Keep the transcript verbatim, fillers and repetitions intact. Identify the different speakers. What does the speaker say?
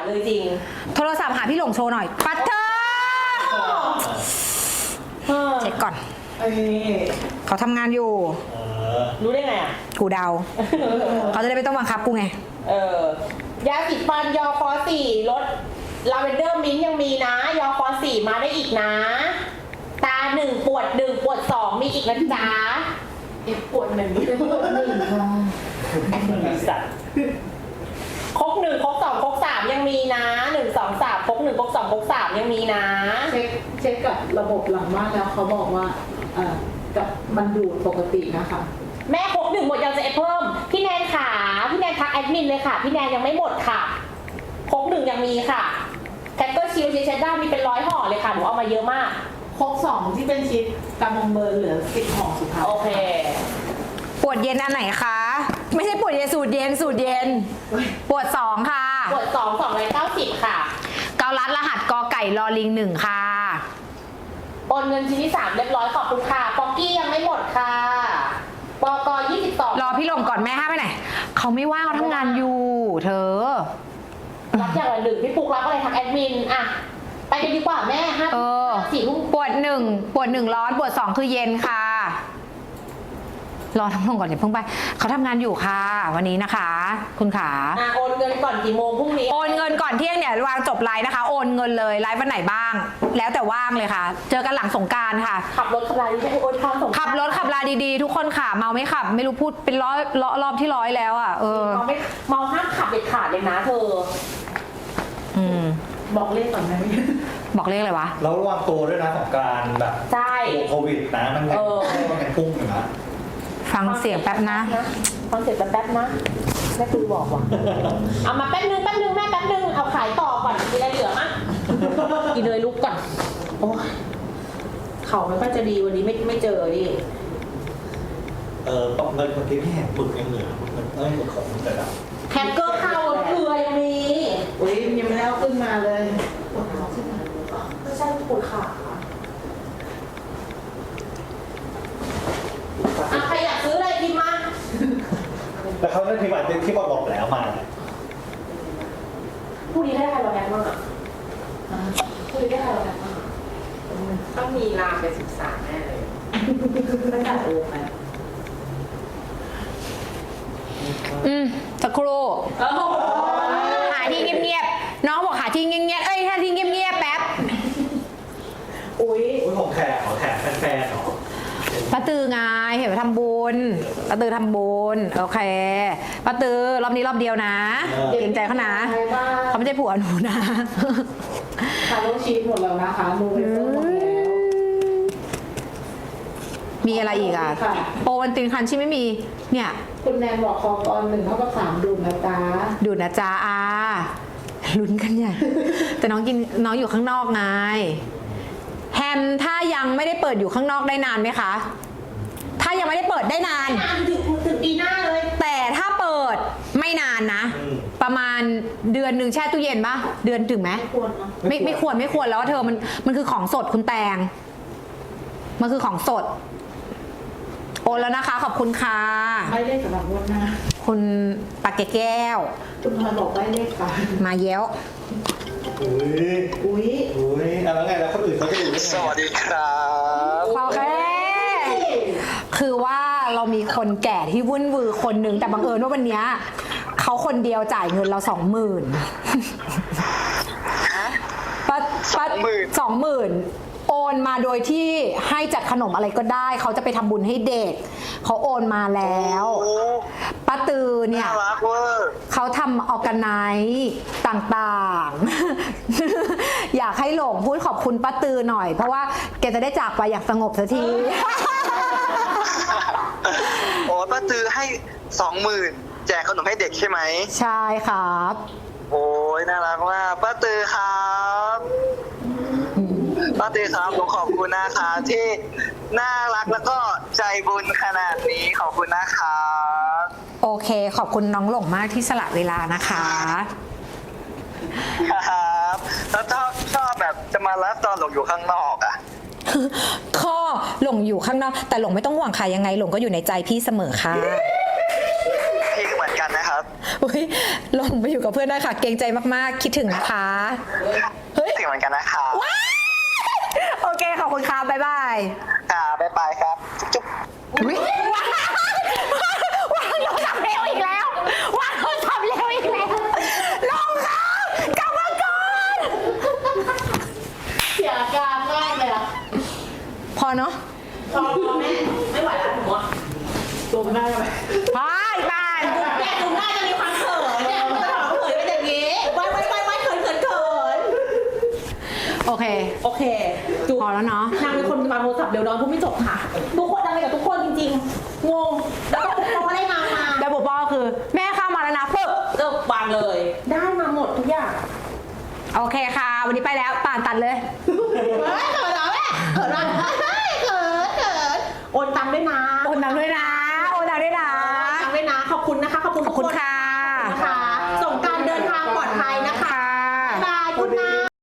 Speaker 1: เลยจริง
Speaker 2: โทรศัพท์หาพี่หลงโชว์หน่อยปัดเธอเช็คก่อนเขาทำงานอยู่
Speaker 1: รู้ได้ไงอ่ะ
Speaker 2: กูเดาเขาจะได้ไม่ต้องบังคับกูไง
Speaker 1: เออยาสีฟันยอฟอสี่รสลาเวนเดอร์มิ้นยังมีนะยอฟอสี่มาได้อีกนะตาหนึ่งปวดหนึ่งปวดสองมีอีกนะจ๊ะเอฟปวดหนึ่งเอฟปวดหนึ่งค่ะสัตว์ครกหนึ่งครกสองครกสามยังมีนะหนึ่งสองสามครกหนึ่งครกสองครกสามยังมีนะ
Speaker 3: เช็คเช็คกับระบบหลังบ้านแล้วเขาบอกว่าเอ่อกับมันดูดปกตินะคะ
Speaker 1: แม่ครกหนึ่งหมดยังจะเอฟเพิ่มพี่แนนขาพี่แนนทักแอดมินเลยค่ะพี่แนนยังไม่หมดค่ะครกหนึ่งยังมีค่ะแคทเตอร์ชิลเชดด้ามีเป็นร้อยห่อเลยค่ะหนูเอามาเยอะมาก
Speaker 3: ครกสองที่เป็นชิปกำมงเบอร์เหลือสิบห่อสุดท้าย
Speaker 1: โอเค
Speaker 2: ปวดเย็นอันไหนคะไม่ใช่ปวดเย็นสูตรเย็นสูตรเย็นปวดสองค่ะ
Speaker 1: ปวดสองสองร้อยเก้าสิบค่ะ
Speaker 2: เกาลัดรหัสกอไก่ลอลิงหนึ่งค่ะ
Speaker 1: โอนเงินชิ้นที่สามเรียบร้อยขอบคุณค่ะป๊อกกี้ยังไม่หมดค่ะปกยี่สิบสอง
Speaker 2: รอพี่ลงก่อนแม่ห้าไปไหนเขาไม่ว่างเขาทำงานอยู่เธอ
Speaker 1: รับอย่างละหนึ่งพี่ปุ๊กรับอะไรทางแอดมินอะไปกันดีกว่าแม่ห้าสี่ทุ่ม
Speaker 2: ปวดหนึ่งปวดหนึ่งร้อนปวดสองคือเย็นค่ะรอทั้งลงก่อนอย่าเพิ่งไปเขาทำงานอยู่ค่ะวันนี้นะคะคุณขา
Speaker 1: อ่ะโอนเงินก่อนกี่โมงพรุ่งนี้
Speaker 2: โอนเงินก่อนเที่ยงเนี่ยวางจบไลฟ์นะคะโอนเงินเลยไลฟ์วันไหนบ้างแล้วแต่ว่างเลยค่ะเจอกันหลังสงกรานต์ค่ะ
Speaker 1: ขับรถขับลาดีๆโอนทางสง
Speaker 2: ขับรถขับลาดีๆทุกคนค่ะเมาไม่ขับไม่รู้พูดเป็นร้อยรอบที่ร้อยแล้วอ่ะเออ
Speaker 1: เมาไม่เมาห้ามขับเด็ดขาดเลยนะเธอ
Speaker 2: อืม
Speaker 3: บอกเลขก่อนไหม
Speaker 2: บอกเลขอะไรวะ
Speaker 4: แล้วระวังตัวด้วยนะของการแบบ
Speaker 1: ใช่
Speaker 4: โควิดนะมันแบบมันเป็นพุ่งอยู่นะ
Speaker 2: ฟังเสียงแป๊บนะ
Speaker 1: ฟังเสียงแป๊บนะแม่คือบอกว่ะเอามาแป๊บนึงแป๊บนึงแม่แป๊บนึงเอาขายต่อก่อนมีอะไรเหลือมั้งกินเลยลุกก่อนโอ้เขาไม่ค่อยจะดีวันนี้ไม่ไม่เจอดิ
Speaker 4: เออต้องเงินคนที่พี่แหกปึกยังเหลือมันเอ้ยมันของมันแต่ละ
Speaker 1: แฮกเกอร์เข้าเกลือยังมี
Speaker 3: อุ้ยยังไม่ได้เอาขึ้นมาเลย
Speaker 1: ไม่ใช่ปวดขาอ่ะใครอยากซื้ออะไรพิมพ์มา
Speaker 4: แล้วเขาได้พิมพ์อะไรที่บอกบอกแล้วมา
Speaker 1: ผู้นี้ได้ใครเราแอบบ้างอ่ะผู้นี้ได้ใครเราแอบบ้างต้องมีลาไปศึกษาแน่เลยตั้งแต่โอ้ไป
Speaker 2: อืมสักครู่หาที่เงียบๆน้องบอกหาที่เงียบๆเอ้ยหาที่เงียบๆแป๊บ
Speaker 1: อุ้ย
Speaker 4: อุ้ยของแขกของแขกแฟนๆเหรอ
Speaker 2: ป้าตือไงเห็นไปทำบุญป้าตือทำบุญโอเคป้าตือรอบนี้รอบเดียวนะเกรงใจเขานะเขาไม่ใช่ผัวหนูนะ
Speaker 3: คาร์โลชีสหมดแล้วนะคะมูเวเฟอร์หมดแล้ว
Speaker 2: มีอะไรอีกอ่ะโปรวันตินคันชิไม่มีเนี่ย
Speaker 3: คุณแนนบอกคอตอนหนึ่งเท่ากับสามดูนะจ๊ะ
Speaker 2: ดูนะจ๊ะอาลุ้นกันใหญ่แต่น้องกินน้องอยู่ข้างนอกไงแฮมถ้ายังไม่ได้เปิดอยู่ข้างนอกได้นานไหมคะถ้ายังไม่ได้เปิดได้นาน
Speaker 1: นานถึงถึงปีหน้าเลย
Speaker 2: แต่ถ้าเปิดไม่นานนะประมาณเดือนหนึ่งแช่ตู้เย็นปะเดือนถึงไหมไม่ไม่ควรไม่ควรแล้วเธอมันมันคือของสดคุณแตงมันคือของสดโอนแล้วนะคะขอบคุณค่ะ
Speaker 3: ไม่ได้สำหรับวันหน้า
Speaker 2: คุณปากแก้ว
Speaker 3: คุณพลอยบอกได้เลขค่ะ
Speaker 2: มาเย้ว
Speaker 4: อุ้ย
Speaker 3: อุ้ย
Speaker 4: อุ้ยแล้วไงแล้วคนอื่นเขาจะดูได้ไง
Speaker 5: สวัสดีครับ
Speaker 2: โอเคคือว่าเรามีคนแก่ที่วุ่นวือคนหนึ่งแต่บังเอิญว่าวันนี้เขาคนเดียวจ่ายเงินเราสองหมื่นปัดปัดสองหมื่นโอนมาโดยที่ให้จัดขนมอะไรก็ได้เขาจะไปทำบุญให้เด็กเขาโอนมาแล้วป้าตือเนี่ยเขาทำออร์แกไนซ์ต่างๆอยากให้หลงพูดขอบคุณป้าตือหน่อยเพราะว่าแกจะได้จากไปอย่างสงบสักที
Speaker 5: โอ้ป้าตือให้สองหมื่นแจกขนมให้เด็กใช่ไหม
Speaker 2: ใช่ครับ
Speaker 5: โอ้ยน่ารักมากป้าตือครับป้าตือครับผมขอบคุณนะครับที่น่ารักแล้วก็ใจบุญขนาดนี้ขอบคุณนะครับ
Speaker 2: โอเคขอบคุณน้องหลงมากที่สละเวลานะคะ
Speaker 5: ครับแล้วชอบชอบแบบจะมาไลฟ์ตอนหลงอยู่ข้างนอกอ่ะ
Speaker 2: ข้อหลงอยู่ข้างนอกแต่หลงไม่ต้องห่วงค่ะยังไงหลงก็อยู่ในใจพี่เสมอค่ะ
Speaker 5: พี่ก็เหมือนกันนะครับ
Speaker 2: อุ๊ยลงไปอยู่กับเพื่อนได้ค่ะ เกรงใจมากๆ คิดถึงนะคะ เฮ้ย
Speaker 5: ถึงเหมือนกันนะคะ
Speaker 2: ว้ายโอเค ขอบคุณค่ะบ๊ายบาย
Speaker 5: ค่ะบ๊ายบายครับจุ๊บ
Speaker 2: อุ๊ยวางวางโทรศัพท์เร็วอีกแล้ววางโทรศัพท์เร็วอีกแล้วลงค่ะกลับมาก่อน
Speaker 3: เสียอาการมากเลยอะ
Speaker 2: พอเนาะ
Speaker 1: พอพอแม่ไม่ไหวแล้วหนูอะ
Speaker 3: ตัวมันได้ไหม
Speaker 2: พออีกบ้าน
Speaker 1: เนี่ยดูหน้าจะมีความเขินเนี่ยมันจะถามเขินเป็นอย่างนี้ไว้ไว้ไว้ไว้เขินเขินเขิน
Speaker 2: โอเค
Speaker 1: โอเคจู
Speaker 2: พอแล้วเนาะ
Speaker 1: นางเป็นคนวางโทรศัพท์เดี๋ยวน้องพูดไม่จบค่ะ ทุกคนอะไรกับทุกคนจริงๆ งง แล้วก็ทุกคนก็ได้มามา
Speaker 2: แล้วบอกว่าคือ แม่เข้ามาแล้วนะปึ๊บ
Speaker 1: เลิกวางเลย ได้มาหมดทุกอย่าง
Speaker 2: โอเคค่ะ วันนี้ไปแล้วป่านตัดเลย
Speaker 1: เฮ้ยเขินเหรอแม่เขินเหรอเฮ้ยเขินเขินโอนตังค์ด้วยนะ
Speaker 2: โอนตังค์ด้วยนะ โอนตังค์ด้วยนะ
Speaker 1: โอนตังค์ด้วยนะ ขอบคุณนะคะ ขอบคุณ
Speaker 2: ขอบคุณค่ะ
Speaker 1: นะคะ ส่งการเดินทางปลอดภัยนะคะ
Speaker 2: ค่ะ
Speaker 1: บ๊ายบายคุณนะ